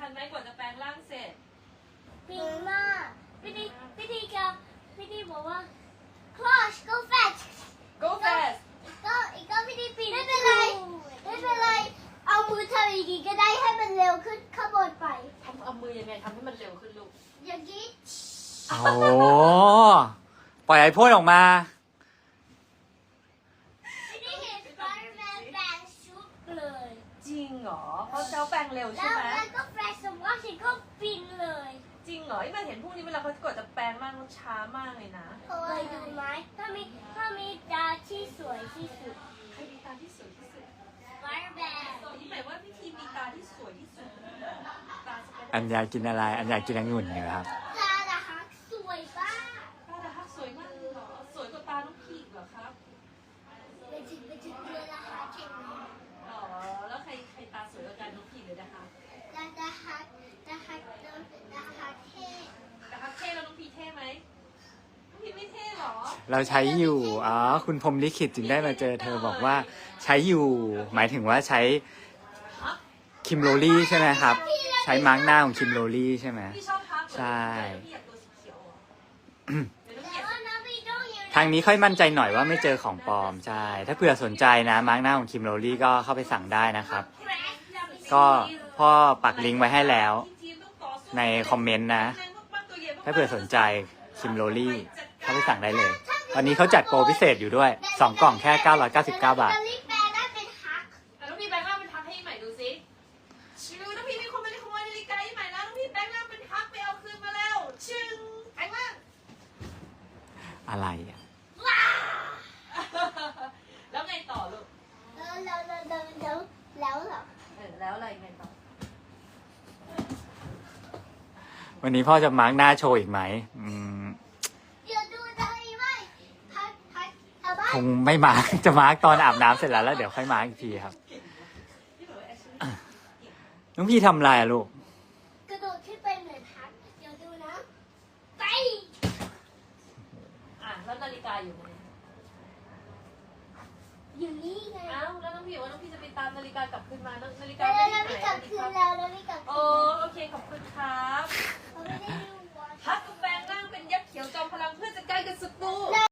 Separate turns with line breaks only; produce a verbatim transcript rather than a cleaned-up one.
ไหมกว่าจะแปลงร่างเสร็จ
ปีมากพี่ดีพี่ดีกับพี่ดีบอกว่า Crush go fast
go fast
ก็อีกก็พี่ดีปีไม่เป็นไรไม่เป็นไรเอามือทำอีกทีก็ได้ให้มันเร็วขึ้นข้างบนไป
ทำเอามือยังไงทำให้มันเร็วขึ้นลูก
อย่างนี้
โอ้ปล่อยไอพ่นออกมา
พี่ดีเห็น Spider-Man แปลงชุดเลย
จริงเหรอเพราะเจ้าแปลงเร็ว
แล้
ใช่
ว
ไหม
มันก็แฟลชสมว่าฉันก็บินเลย
จริงเหรอไอ้มาเห็นพวกนี้เวลาเขากดจะแปลงร่างเขาช้ามากเลยนะ
เคยดูไหมถ้ามีถ้ามีตาที่สวยที่สุด
ใครมีตาที่สวยที่สุด
Spider-Man
นี่หมายว่าพี่ทีมีตาที่สวยที่สุดตาสเปน
อันอยากกินอะไร อันอยากกินองุ่นอยู่ครับ
ตาละฮักสวยป้า
ตาดาฮักสวยมากเลยเหรอสวยกว่าตาน้องพีกเหรอครับ
เป็นถึงเป็นถึงเดือนละฮักเก่งเลย
อ๋อแล้วใครใครตาสวยกว่ากันน้องพีกหรือดาฮัก
ตาละฮักตาฮักตาละฮักเท่
ดาฮักเท่แล้วน้องพีเท่ไหมน้องพีไม่เท่เหรอ
เราใช้อยู่ อ๋อ คุณพรหมลิขิตจึงได้มาเจอเธอบอกว่าใช้อยู่ หมายถึงว่าใช้คิมโรลี่ใช่ไหมครับ ใช้มาร์กหน้าของคิมโรลี่ใช่ไหม
พี่ชอบพักเหรอ
ใช่
พี่อยากตัวสีเขียวเหรอเดี๋ยวน้อง
แต่
เกียร
ว่าน้องพี่ต้องอยู่
ทางนี้ค่อยมั่นใจหน่อยว่าไม่เจอของปลอม ใช่ ถ้าเผื่อสนใจนะ มาร์กหน้าของคิมโรลี่ก็เข้าไปสั่งได้นะครับ
แครชเราไป
ก็พ่อปักลิงก์ไว้ให้แล้ว ในคอมเมนต์นะ ถ้าเผื่อสนใจคิมโรลี่เข้าไปสั่งได้เลย วันนี้เขาจัดโปรพิเศษอยู่ด้วย สองกล่องแค่เก้าร้อยเก้าสิบเก้าบาท
จะรีบแปลได้เป็นฮัก
แต่น้องพีแบงค์ร่างเป็นทักให้ใหม่ดูสิชิวน้องพีมีคนมาขโมยนาฬิกาให้ใหม่แล้วน้องพีแบงค์ร่างเป็นทักไปเอาคืนมาแล้วชึงแบงค์ร่าง
อะไรอ่ะ
ว้า
แล้วไงต่อลูก
แล้วแล้วแล้วแล้วแล้วเหรอ
เออแล้วอะไรไงต่อ
วันนี้พ่อจะมาร์กหน้าโชว์อีกไหมอืม
เดี๋ยวดูได้ไหมฮักฮักเอาบ้า
คงไม่มาร์ก จะมาร์กตอนอาบน้ำเสร็จแล้วแล้วเดี๋ยวค่อยมาร์กอีกทีครับ
ที่บอกว่าแอชลีย์
น้องพี่ทำอะไรอะลูก
กระโดดขึ้นไปเหมือนฮักเดี๋ยวดูนะไป
อ่ะแล้วนาฬิกาอยู่ไหน
อยู่นี่ไง
อ้าวแล้วน้องพีบอกว่าน้องพีจะไปตามนาฬิกากลับคืนมานาฬิกา
แต่